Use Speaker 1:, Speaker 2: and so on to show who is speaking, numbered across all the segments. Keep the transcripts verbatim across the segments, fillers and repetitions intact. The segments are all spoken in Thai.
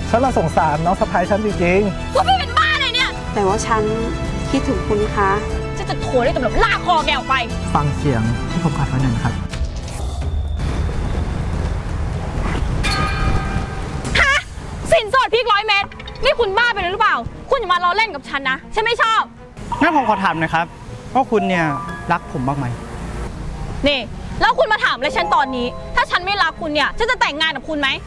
Speaker 1: ฉันละสงสารน้องสะพ้ายฉันจริง
Speaker 2: พวกพี่เป็นบ้าอะไรเนี่ย
Speaker 3: แต่ว่าฉันคิดถึงคุณคะ
Speaker 2: จะจะโทรได้ตำรวจลากคอแกออกไป
Speaker 1: ฟังเสียงที่ผมอัดไว้หน่อยนะครับ
Speaker 2: ฮะสินสอดพริกร้อยเม็ดนี่คุณบ้าไปเลยหรือเปล่าคุณอย่ามาล้อเล่นกับฉันนะฉันไม่ชอบ
Speaker 4: งั้นผมขอถามหน่อยครับว่าคุณเนี่ยรักผมบ้างไหม
Speaker 2: นี่แล้วคุณมาถามอะไรฉันตอนนี้ถ้าฉันไม่รักคุณเนี่ยฉันจะแต่งงานกับคุณไหม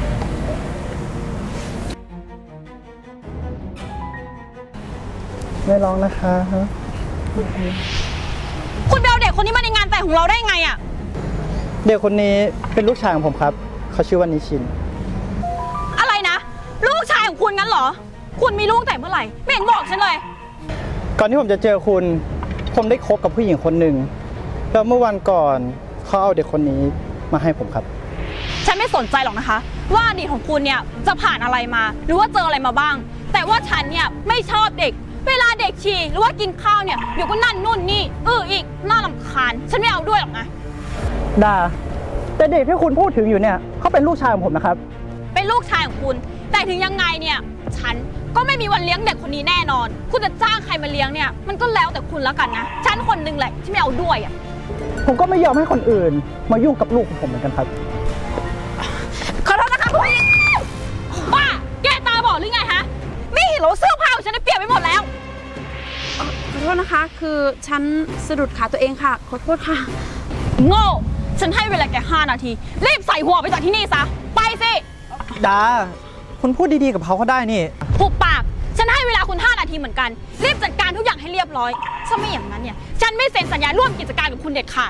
Speaker 1: ไม่ร้องนะคะ
Speaker 2: คุณไปเอาเด็กคนนี้มาในงานแต่งของเราได้ไงอะ
Speaker 4: เด็กคนนี้เป็นลูกชายของผมครับเขาชื่อว่านิชิน
Speaker 2: อะไรนะลูกชายของคุณงั้นเหรอคุณมีลูกแต่เมื่อไหร่ไม่เห็นบอกฉันเลย
Speaker 4: ก่อนที่ผมจะเจอคุณผมได้คบกับผู้หญิงคนหนึ่งแล้วเมื่อวันก่อนเขาเอาเด็กคนนี้มาให้ผมครับ
Speaker 2: ฉันไม่สนใจหรอกนะคะว่าอดีตของคุณเนี่ยจะผ่านอะไรมาหรือว่าเจออะไรมาบ้างแต่ว่าฉันเนี่ยไม่ชอบเด็กเวลาเด็กฉี่หรือว่ากินข้าวเนี่ยเดี๋ยวก็นั่นนู่นนี่เอออีกน่ารำคาญฉันไม่เอาด้วยหรอกนะ
Speaker 4: ดาแต่เด็กที่คุณพูดถึงอยู่เนี่ยเขาเป็นลูกชายของผมนะครับ
Speaker 2: เป็นลูกชายของคุณแต่ถึงยังไงเนี่ยฉันก็ไม่มีวันเลี้ยงเด็กคนนี้แน่นอนคุณจะจ้างใครมาเลี้ยงเนี่ยมันก็แล้วแต่คุณแล้วกันนะฉันคนนึงแหละที่ไม่เอาด้วยอ่ะ
Speaker 4: ผมก็ไม่ยอมให้คนอื่นมายุ่งกับลูกของผมเหมือนกันครับ
Speaker 2: ขอโทษนะคะคุณบ้าแกตาบอดหรือไงฮะไม่เห็นเหรอเสื้อผ้าของฉันได้เปลี่ยนไปหมดแล้ว
Speaker 3: ขอโทษนะคะคือฉันสะดุดขาตัวเองค่ะขอโทษค่ะ
Speaker 2: โง่ฉันให้เวลาแกห้านาทีรีบใส่หัวไปจากที่นี่ซะไปสิ
Speaker 4: ดาคุณพูดดีๆกับเขาก็ได้นี่
Speaker 2: หุบปากฉันให้เวลาคุณห้านาทีเหมือนกันรีบจัดการทุกอย่างให้เรียบร้อยถ้าไม่อย่างนั้นเนี่ยฉันไม่เซ็นสัญญาร่วมกิจการกับคุณเด็ดขาด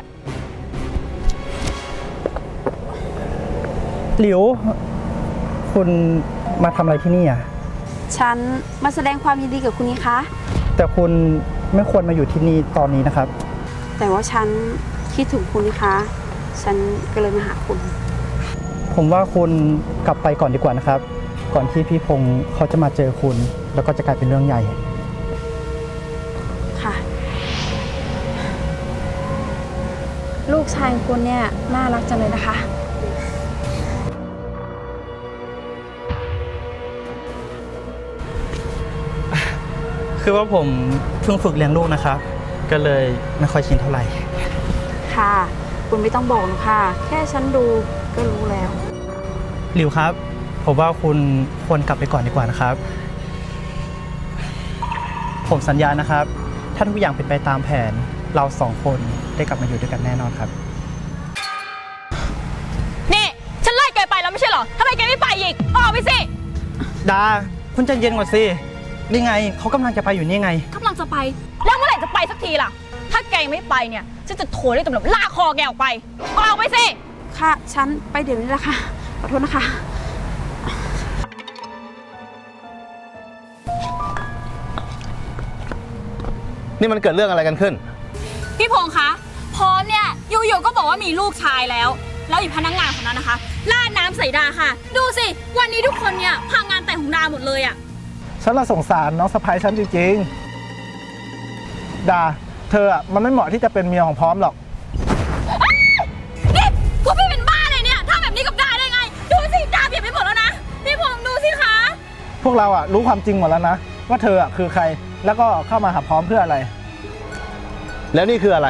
Speaker 4: หลิวคุณมาทำอะไรที่นี่อ่ะ
Speaker 3: ฉันมาแสดงความยินดีกับคุณนี่คะ
Speaker 4: แต่คุณไม่ควรมาอยู่ที่นี่ตอนนี้นะครับ
Speaker 3: แต่ว่าฉันคิดถึงคุณนี่คะฉันก็เลยมาหาคุณ
Speaker 4: ผมว่าคุณกลับไปก่อนดีกว่านะครับก่อนที่พี่พงษ์เขาจะมาเจอคุณแล้วก็จะกลายเป็นเรื่องใหญ่
Speaker 3: ค่ะลูกชายของคุณเนี่ยน่ารักจังเลยนะคะ
Speaker 4: คือว่าผมเพิ่งฝึกเลี้ยงลูกนะครับก็เลยไม่ค่อยชินเท่าไหร่
Speaker 3: ค่ะคุณไม่ต้องบอกหรอกค่ะแค่ฉันดูก็รู้แล้ว
Speaker 4: หลิวครับผมว่าคุณควรกลับไปก่อนดีกว่านะครับผมสัญญานะครับถ้าทุกอย่างเป็นไปตามแผนเราสองคนได้กลับมาอยู่ด้วยกันแน่นอนครับ
Speaker 2: นี่ฉันไล่แกไปแล้วไม่ใช่เหรอทำไมแกไม่ไปอีกออกไปสิ
Speaker 4: ดาคุณใจเย็นก่อนสินี่ไงเขากำลังจะไปอยู่นี่ไง
Speaker 2: กำลังจะไปแล้วเมื่อไหร่จะไปสักทีล่ะถ้าแกไม่ไปเนี่ยฉันจะโทรเรียกตำรวจลากคอแกออกไปออกไปสิ
Speaker 3: ค่ะฉันไปเดี๋ยวนี้แหละค่ะขอโทษนะคะ
Speaker 5: นี่มันเกิดเรื่องอะไรกันขึ้น
Speaker 2: พี่พงษ์คะพร้อมเนี่ยอยู่ๆก็บอกว่ามีลูกชายแล้วแล้วอีกพนักงานคนนั้นนะคะราดน้ำใส่ดาค่ะดูสิวันนี้ทุกคนเนี่ยพังงานแต่งของดาหมดเลยอ่ะ
Speaker 1: ฉันละสงสารน้องสะพ้ายฉันจริงๆดาเธออ่ะมันไม่เหมาะที่จะเป็นเมียของพร้อมหรอก
Speaker 2: นี่พวกพี่เป็นบ้าเลยเนี่ยทำแบบนี้กับดาได้ไงดูสิดาเปลี่ยนไปหมดแล้วนะพี่พงษ์ดูสิคะ
Speaker 1: พวกเราอ่ะรู้ความจริงหมดแล้วนะว่าเธออ่ะคือใครแล้วก็เข้ามาหาพร้อมเพื่ออะไร
Speaker 5: แล้วนี่คืออะไร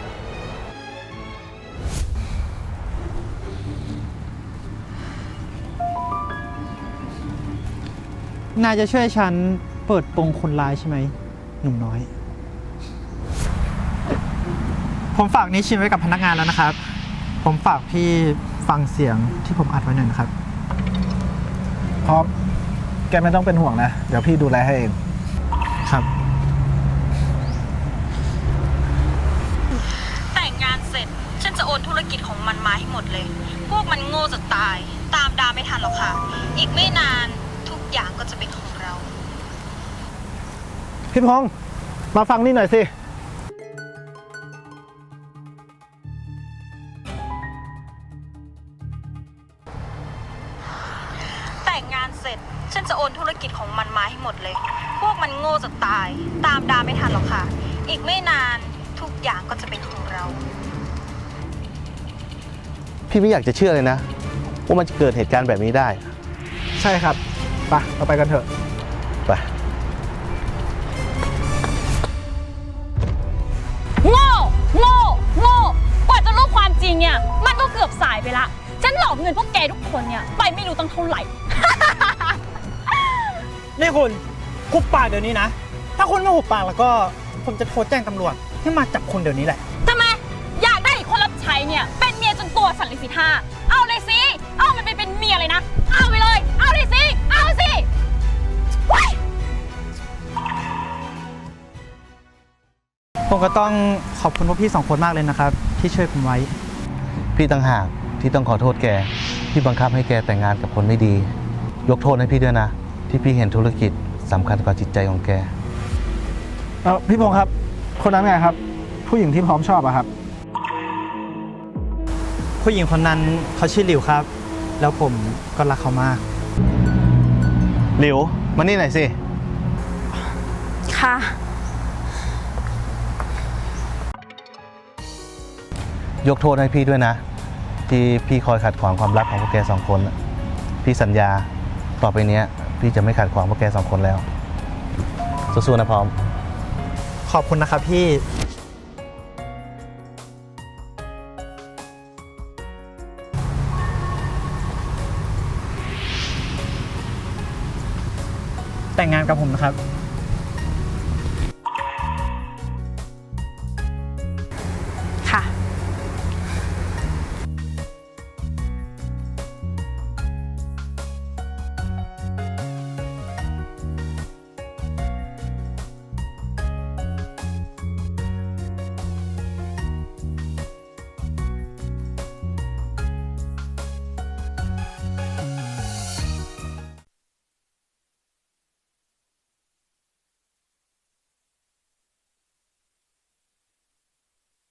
Speaker 4: นายจะช่วยฉันเปิดโปงคนร้ายใช่ไหมหนุ่มน้อยผมฝากนี้ชิมไว้กับพนักงานแล้วนะครับผมฝากพี่ฟังเสียงที่ผมอัดไว้หน่อยนะครับ
Speaker 1: พร้อมแกไม่ต้องเป็นห่วงนะเดี๋ยวพี่ดูแลให้เอง
Speaker 4: ครับ
Speaker 2: แต่งงานเสร็จฉันจะโอนธุรกิจของมันมาให้หมดเลยพวกมันโง่จะตายตามดาไม่ทันหรอกค่ะอีกไม่นานทุกอย่างก็จะเป็นของเรา
Speaker 1: พี่พงษ์มาฟังนี่หน่อยสิ
Speaker 2: แต่งงานเสร็จฉันจะโอนธุรกิจของมันมาให้หมดเลยพวกมันโง่จะตายตามดาไม่ทันหรอกค่ะอีกไม่นานทุกอย่างก็จะเป็นของเรา
Speaker 5: พี่ไม่อยากจะเชื่อเลยนะว่ามันจะเกิดเหตุการณ์แบบนี้ได้
Speaker 1: ใช่ครับไปเราไปกันเถอะ
Speaker 5: ไป
Speaker 2: โง่โง่โง่กว่าจะรู้ความจริงเนี่ย มันก็เกือบสายไปละ ฉันหลอกเงินพวกแกทุกคนเนี่ย ไปไม่รู้ตั้งเท่าไหร่
Speaker 4: นี่คุณคุบปากเดี๋ยวนี้นะ ถ้าคุณไม่หุบปากแล้วก็ผมจะโทรแจ้งตำรวจให้มาจับคุณเดี๋ยวนี้แหละ
Speaker 2: ทำไม อยากได้อีกคนรับใช้เนี่ย เป็นเมียจนตัวสั่นเลยสิท่าเอาเลยสิ เอามันไปเป็นเมียเลยนะ เอาไปเลย เอาเลยสิ เอาสิว้าย
Speaker 4: ผมก็ต้องขอบคุณพวกพี่สองคนมากเลยนะครับ ที่ช่วยผมไว้
Speaker 5: พี่ต่างหากที่ต้องขอโทษแก ที่บังคับให้แกแต่งงานกับคนไม่ดี ยกโทษให้พี่ด้วยนะ ที่พี่เห็นธุรกิจสำคัญกว่าจิตใจของแก
Speaker 1: เออพี่พงษ์ครับ คนนั้นไงครับ ผู้หญิงที่พร้อมชอบอะครับ
Speaker 4: ผู้หญิงคนนั้นเขาชื่อหลิวครับ แล้วผมก็รักเขามาก
Speaker 5: หลิว มานี่หน่อยสิ
Speaker 3: ค่ะ
Speaker 5: ยกโทษให้พี่ด้วยนะ ที่พี่คอยขัดขวางความรักของพวกแกสองคนน่ะพี่สัญญาต่อไปเนี้ย พี่จะไม่ขัดขวางพวกแกสองคนแล้วสู้ๆนะพร้อม
Speaker 4: ขอบคุณนะครับพี่ แต่งงานกับผมนะครับ